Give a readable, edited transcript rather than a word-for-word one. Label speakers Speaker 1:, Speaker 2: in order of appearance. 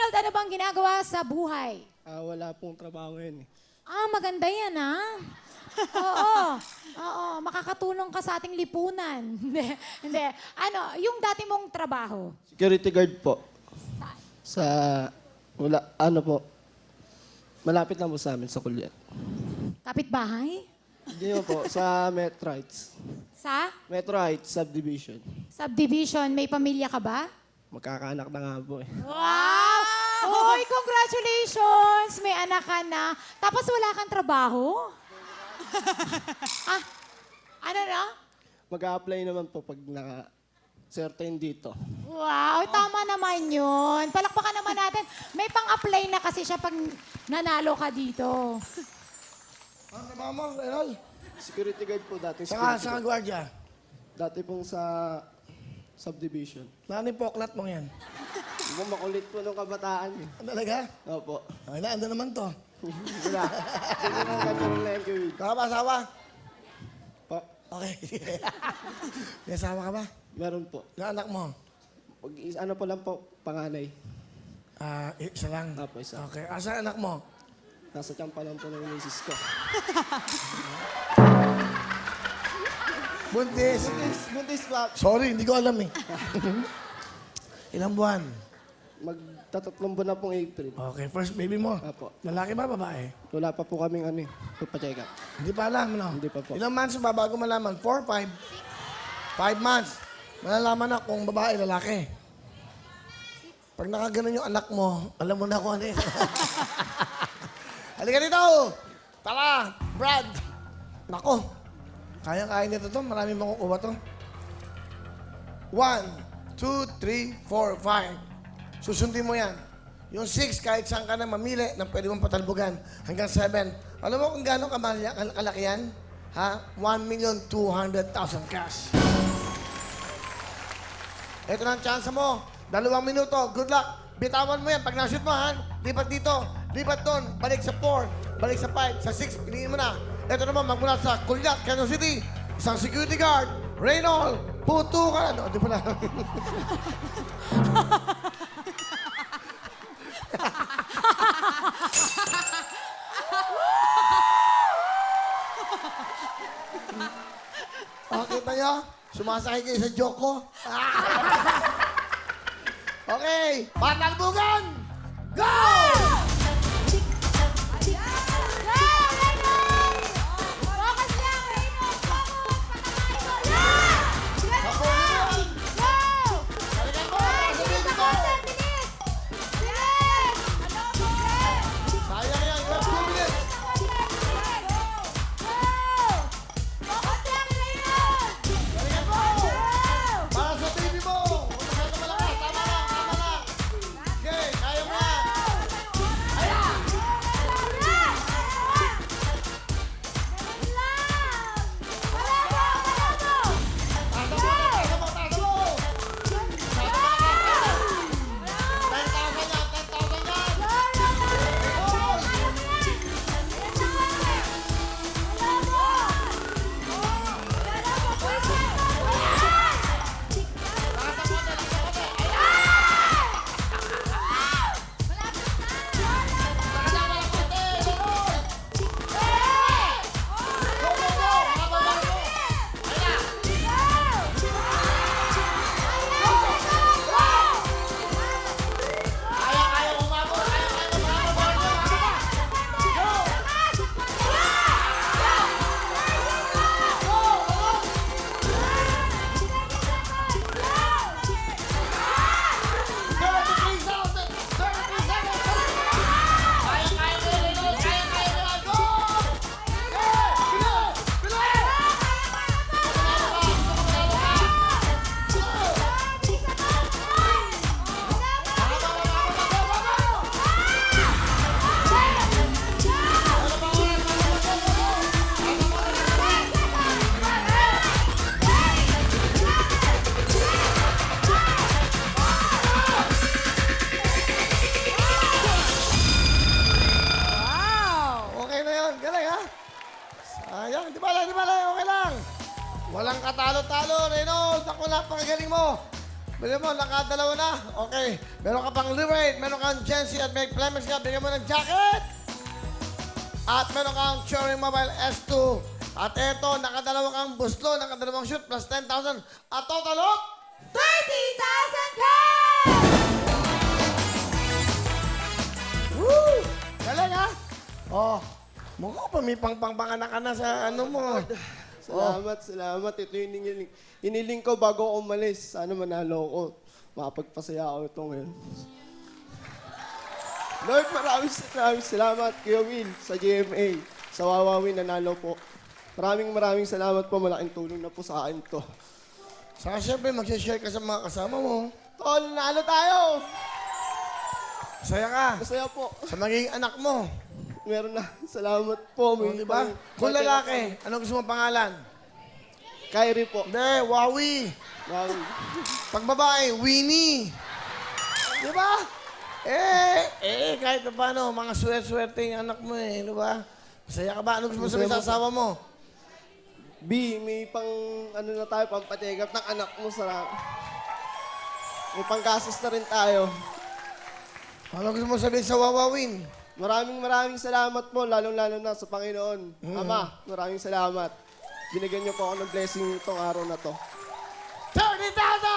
Speaker 1: Reynold, ano bang ginagawa sa buhay?
Speaker 2: Wala pong trabaho ngayon eh.
Speaker 1: Maganda yan, Oo. Oo, makakatulong ka sa ating lipunan. Hindi. Ano, yung dati mong trabaho?
Speaker 2: Security guard po. Sa, wala, ano po, malapit lang po sa amin, sa Kulyan.
Speaker 1: Kapitbahay?
Speaker 2: Hindi mo po, sa Metro Heights.
Speaker 1: Sa
Speaker 2: Metro Heights Subdivision.
Speaker 1: subdivision, may pamilya ka ba?
Speaker 2: Magkakaanak na nga po eh.
Speaker 1: Wow! Hoy, congratulations! May anak ka na. Tapos wala kang trabaho? Ano na?
Speaker 2: Mag-a-apply naman po pag certain dito.
Speaker 1: Wow, tama naman yun. Palakpakan naman natin. May pang-apply na kasi siya pag nanalo ka dito.
Speaker 3: Ano trabaho mo, Reynold?
Speaker 2: Security guard po dati.
Speaker 3: Saka gwardiya.
Speaker 2: Dati pong sa subdivision.
Speaker 3: Nani poklat mo yan?
Speaker 2: Di ba makulit po nung kabataan eh.
Speaker 3: Talaga?
Speaker 2: Opo.
Speaker 3: Ay na, ando naman to.
Speaker 2: Wala. Hindi naman ganun lang yung
Speaker 3: Nakapa-asawa?
Speaker 2: Pa,
Speaker 3: Okay. May asawa ka ba?
Speaker 2: meron po.
Speaker 3: Yung anak mo?
Speaker 2: Ano po lang po, panganay.
Speaker 3: Isa lang.
Speaker 2: Apo, isa.
Speaker 3: Okay. Asa anak mo?
Speaker 2: Nasa tiyan pa lang po ng misis ko.
Speaker 3: Buntis.
Speaker 2: Buntis pa.
Speaker 3: Sorry, hindi ko alam eh. Ilang buwan?
Speaker 2: Magtatatlong buwan na pong April.
Speaker 3: Okay, first baby mo.
Speaker 2: Apo.
Speaker 3: Lalaki ba, babae?
Speaker 2: Wala pa po kaming ano eh, papacheck up.
Speaker 3: Hindi pa alam, no?
Speaker 2: Hindi pa po.
Speaker 3: Ilang months ba bago malaman? 4, 5? 5 months. Malalaman na kung babae, lalaki. Pag nakaganon yung anak mo, alam mo na kung ano yun. Halika dito! Tara, Brad! Nako, kaya-kaya nito to. Maraming makukuha to. 1, 2, 3, 4, 5. Susundin mo yan. Yung 6, kahit saan ka na mamili na pwede mong patalbugan. Hanggang 7. Alam mo kung gano'ng kalaki yan? Ha? 1,200,000 cash. Ito na ang chance mo. 2 minuto. Good luck. Bitawan mo yan. Pag na-shoot mo, ha? Lipat dito. Lipat doon. Balik sa 4. Balik sa 5. Sa 6. Piliin mo na. Ito naman, magmula sa Kulyat, Quezon City. Isang security guard. Reynold. Puto ka. Ano? Di pa na. Kita nyo? Sumasakay kayo sa joke ko. Okay, patalbugan! Go! Sayang yan, you have 2 minutes. Galingan mo! Para sa baby mo! Huwag masyado malakas. Tama lang, tama lang. Okay, kaya mo yan. Bili mo, nakadalawa na. Okay. Meron ka pang Liraid, meron kang Gensi at may Clemens ka. Bigyan mo ng jacket. At meron kang Cherry Mobile S2. At eto, nakadalawa kang buslo, nakadalawang shoot, plus 10,000. At total of
Speaker 1: 30,000 cash!
Speaker 3: Woo! Galing ha? Oh, mukha pa may pangpanganak ka na sa ano mo.
Speaker 2: Salamat. Ito yung hiniling ko bago ako umalis. Sana manalo ako. Makapagpasaya ako ito ngayon. Lord, maraming salamat, Kuya Will, sa GMA. Sa Wawawin, nanalo po. Maraming salamat po. Malaking tulong na po sa akin to.
Speaker 3: Saka syempre, mag-share ka sa mga kasama mo.
Speaker 2: Tol, nanalo tayo!
Speaker 3: Masaya ka.
Speaker 2: Masaya po.
Speaker 3: Sa magiging anak mo.
Speaker 2: Meron na. Salamat po.
Speaker 3: O, di ba? Kung lalaki, anong gusto mong pangalan?
Speaker 2: Kyrie po.
Speaker 3: Hindi, Wawi.
Speaker 2: Wawi.
Speaker 3: Pag babae, Winnie. Di ba? Kahit na paano, mga swerte yung anak mo eh, di ba? Masaya ka ba? Ano gusto mo sabihin sa asawa mo?
Speaker 2: B, may pang, ano na tayo, pampatigap ng anak mo sa... May panggastos na rin tayo.
Speaker 3: Ano gusto mo sabihin sa Wawawin?
Speaker 2: Maraming salamat po, lalong-lalo na sa Panginoon. Ama, maraming salamat. Binigyan niyo po ako ng blessing itong araw na to.
Speaker 3: 30,000!